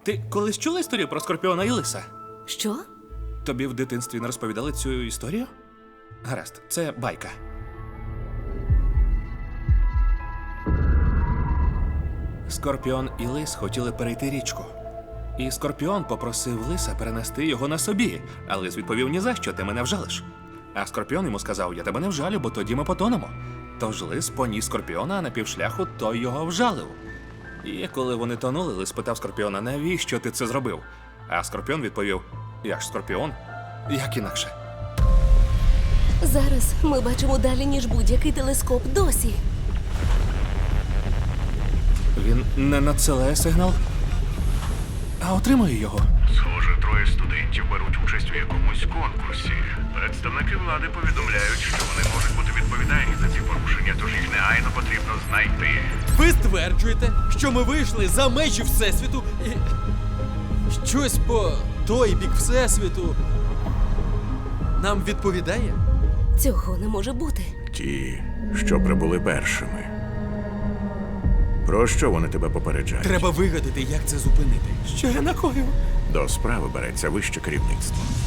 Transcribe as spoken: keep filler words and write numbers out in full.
Ти колись чула історію про Скорпіона і Лиса? Що? Тобі в дитинстві не розповідали цю історію? Гаразд, це байка. Скорпіон і Лис хотіли перейти річку. І Скорпіон попросив Лиса перенести його на собі, а Лис відповів: «Ні за що, ти мене вжалиш». А Скорпіон йому сказав: «Я тебе не вжалю, бо тоді ми потонемо». Тож Лис поніс Скорпіона, а на півшляху той його вжалив. І коли вони тонули, Лис питав Скорпіона: «Навіщо ти це зробив?» А Скорпіон відповів: «Я ж Скорпіон, як інакше». Зараз ми бачимо далі, ніж будь-який телескоп досі. Він не надсилає сигнал, а отримує його. Схоже, троє студентів беруть участь у якомусь конкурсі. Представники влади повідомляють, що вони можуть бути відповідальні за ці порушення, тож їх негайно потрібно знайти. Ви стверджуєте, що ми вийшли за межі Всесвіту і щось по той бік Всесвіту нам відповідає? Цього не може бути. Ті, що прибули першими. Про що вони тебе попереджають? Треба вигадати, як це зупинити. Що я накоїв? До справи береться вище керівництво.